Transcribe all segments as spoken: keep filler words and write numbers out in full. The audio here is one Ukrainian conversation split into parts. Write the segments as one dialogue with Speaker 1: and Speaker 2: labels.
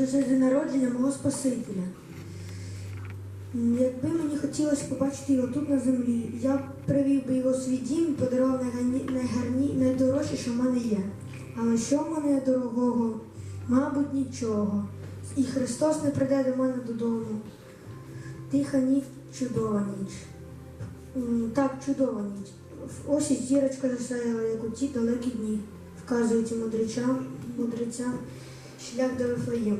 Speaker 1: наближається день народження мого Спасителя. Якби мені хотілося побачити його тут на землі, я б привів би його в свій дім і подарував найгарні, найгарні, найдорожче, що в мене є. Але що в мене є дорогого? Мабуть, нічого. І Христос не прийде до мене додому. Тиха ніч, чудова ніч. М, Так, чудова ніч. Ось і зірочка засяяла, як у ті далекі дні, вказуючи мудрецям, мудрецям шлях до Вифлеєму.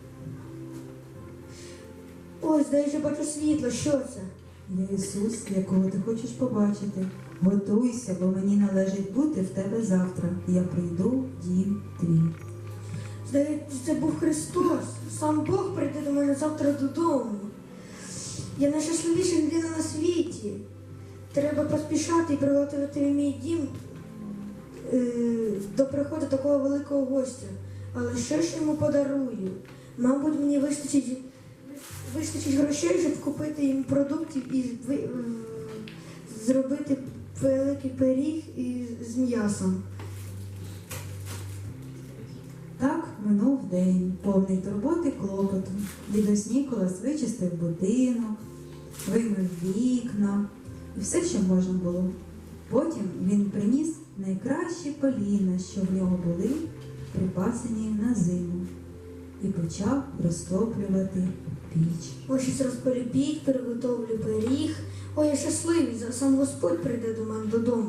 Speaker 1: Ось, де я вже бачу світло, що це?
Speaker 2: Я Ісус, якого ти хочеш побачити. Готуйся, бо мені належить бути в тебе завтра. Я прийду в дім твій.
Speaker 1: Здається, це був Христос. Сам Бог прийде до мене завтра додому. Я найщасливіша людина на світі. Треба поспішати і приготувати мій дім е, до приходу такого великого гостя. Але що ж йому подарую? Мабуть, мені вистачить, вистачить грошей, щоб купити їм продуктів і ви, е, зробити великий пиріг із м'ясом.
Speaker 2: Так минув день, повний турботи клопоту. Дідусь Ніколас вичистив будинок, вимив вікна і все, що можна було. Потім він приніс найкращі поліна, що в нього були, припасені на зиму, і почав розтоплювати піч.
Speaker 1: Ось щось розполюбіть, приготовлю пиріг. Ой, я щасливий, зараз сам Господь прийде до мене додому.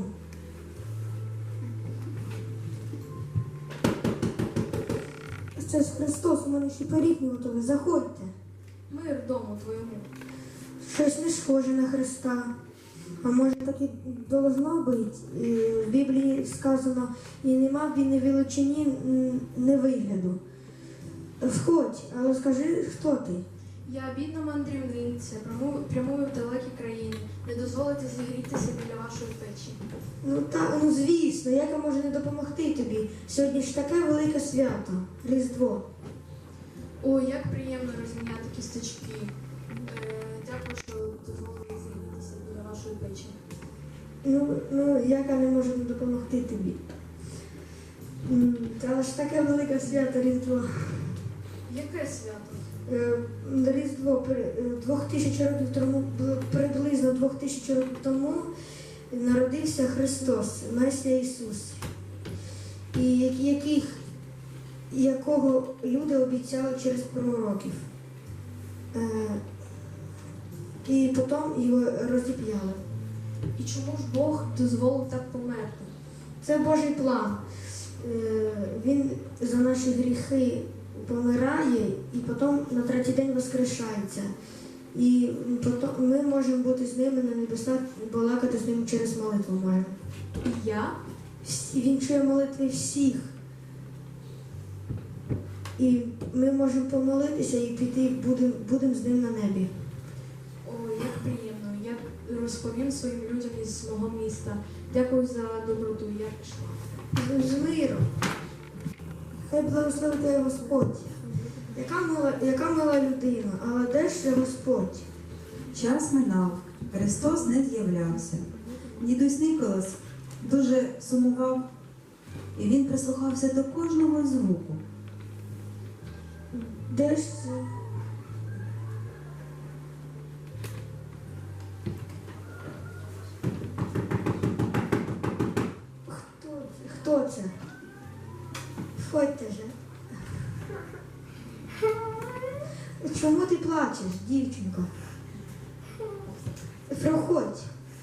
Speaker 1: Це ж Христос, у мене ще пиріг не готовий. Заходьте.
Speaker 3: Мир дому твоєму.
Speaker 1: Щось не схоже на Христа. А може так і должно бути. І в Біблії сказано, і нема в війни величині не вигляду. Входь, але скажи, хто ти?
Speaker 3: Я бідна мандрівниця, прямую, прямую в далекі країни. Не дозволите зігрітися біля вашої печі.
Speaker 1: Ну так, ну звісно, як я можу не допомогти тобі? Сьогодні ж таке велике свято, Різдво.
Speaker 3: Ой, як приємно розміняти кісточки. Е, дякую, що дозволили зігрітися біля вашої печі.
Speaker 1: Ну, ну як я не можу не допомогти тобі? М, Це ж таке велике свято Різдво.
Speaker 3: Яке свято?
Speaker 1: Е, Різдво при- е, двох тисяч років тому, б- приблизно двох тисяч років тому народився Христос, Месія Ісус, і як- яких, якого люди обіцяли через пророків. Е, І потім його розіп'яли.
Speaker 3: І чому ж Бог дозволив так померти?
Speaker 1: Це Божий план. Е, Він за наші гріхи помирає і потім на третій день воскрешається. І потім ми можемо бути з ними на небесах і балакати з ним через молитву можемо.
Speaker 3: І я?
Speaker 1: Всі- Він чує молитви всіх. І ми можемо помолитися і піти, будемо будем з ним на небі.
Speaker 3: Ой, як приємно. Я розповім своїм людям із мого міста. Дякую за доброту, я пішла.
Speaker 1: З миром. Хай благословить тебе Господь. Яка мила, яка мила людина, але де ж Господь?
Speaker 2: Час минав, Христос не з'являвся. Дідусь Ніколас дуже сумував, і він прислухався до кожного звуку.
Speaker 1: Де ж це? Хто це? Хто це? Входьте же. Чому ти плачеш, дівчинко? Проходь.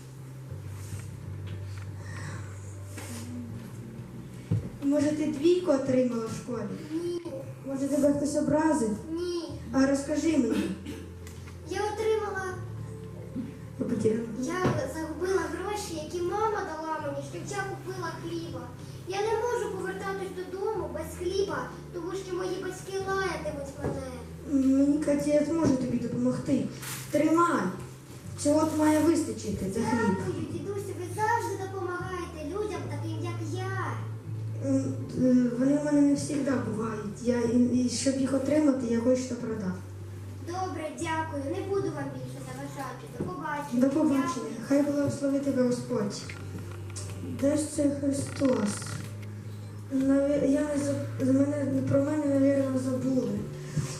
Speaker 1: Може, ти двійку отримала в школі?
Speaker 4: Ні,
Speaker 1: Може, тебе хтось образив?
Speaker 4: ні.
Speaker 1: А розкажи мені.
Speaker 4: Я отримала,
Speaker 1: Я потеряла.
Speaker 4: я загубила гроші, які мама дала мені, щоб я купила хліба. Я не можу повертатись додому без хліба, тому що мої батьки лаятимуть мене.
Speaker 1: Мені Катя, я зможу тобі допомогти. Тримай. Цього от має вистачити за хліб.
Speaker 4: Дякую, дідусю, ви завжди допомагаєте людям таким, як я.
Speaker 1: М, е, Вони в мене не завжди бувають. Я, і, і щоб їх отримати, я кое-що продав.
Speaker 4: Добре, дякую. Не буду вам більше заважати. До побачення.
Speaker 1: До побачення.
Speaker 4: Дякую.
Speaker 1: Хай благословить тебе Господь. Де ж це Христос? Наві- Я не заб... Мене, про мене, мабуть, забули.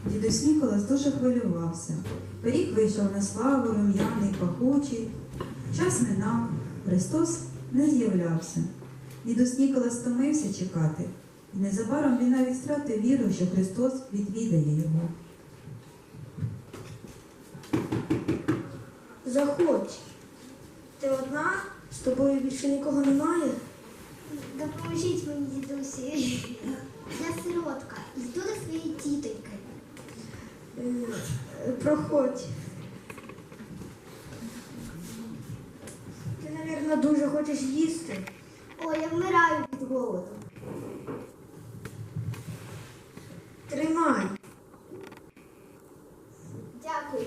Speaker 2: Дідусь Ніколас дуже хвилювався. Пиріг вийшов на славу, рум'яний, пахучий. Час минав, Христос не з'являвся. Дідусь Ніколас стомився чекати, і незабаром він навіть втратив віру, що Христос відвідає його.
Speaker 1: Заходь. Ти одна? З тобою більше нікого немає?
Speaker 4: Допоможіть мені, дідусі. Я сиротка. Йду до своєї тітоньки.
Speaker 1: Е, Проходь. Ти, мабуть, дуже хочеш їсти.
Speaker 4: Ой, я вмираю від голоду.
Speaker 1: Тримай.
Speaker 4: Дякую.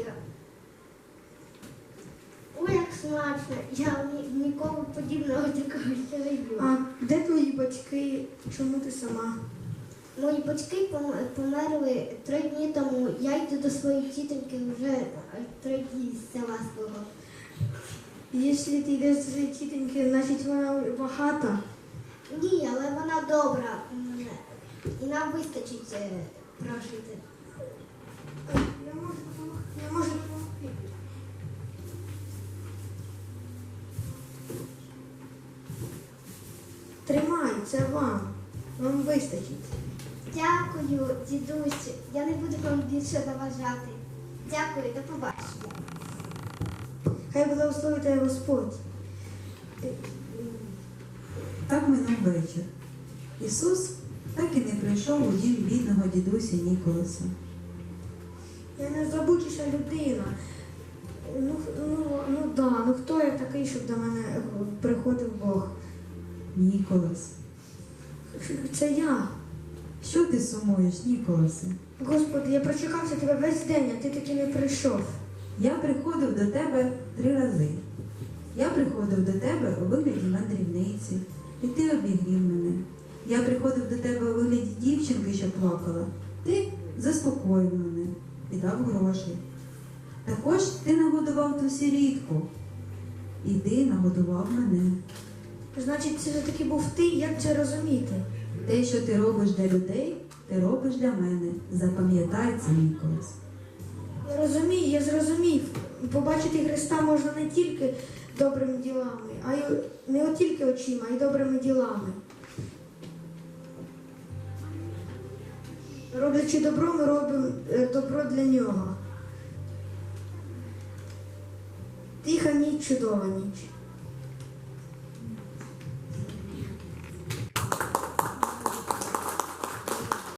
Speaker 4: Ой, як смачно. Я ні- ніколи подібного такого ще не їла.
Speaker 1: А де твої батьки? Чому ти сама?
Speaker 4: Мої батьки пом- померли три дні тому. Я йду до своєї тітоньки вже е, три дні з села свого.
Speaker 1: Якщо ти йдеш до своєї тітоньки, значить вона багата.
Speaker 4: Ні, але вона добра. М, І нам вистачить е, прожити.
Speaker 1: Я можу допомогти. Я можу допомогти. Тримай, це вам. Вам вистачить.
Speaker 4: Дякую, дідусь. Я не буду вам більше заважати. Дякую, до побачення.
Speaker 1: Хай благословить тебе Господь.
Speaker 2: Так минув вечір. Ісус так і не прийшов у дім бідного дідуся Ніколаса.
Speaker 1: Я найзабутіша людина. Ну, ну, ну да, ну хто я такий, щоб до мене приходив Бог?
Speaker 2: Ніколас,
Speaker 1: Це я.
Speaker 2: що ти сумуєш, Ніколасе?
Speaker 1: Господи, я прочекався тебе весь день, а ти таки не прийшов.
Speaker 2: Я приходив до тебе три рази. Я приходив до тебе у вигляді мандрівниці, і ти обігрів мене. Я приходив до тебе у вигляді дівчинки, що плакала. Ти заспокоїв мене і дав гроші. Також ти нагодував ту сірітку. І ти нагодував мене.
Speaker 1: Значить, це таки був ти, як це розуміти?
Speaker 2: Те, що ти робиш для людей, ти робиш для мене. Запам'ятай це, Ніколас.
Speaker 1: Розумію, я зрозумів. Побачити Христа можна не тільки добрими ділами, а й не от тільки очима, а й добрими ділами. Роблячи добро, ми робимо е, добро для нього. Тиха ніч, чудова ніч.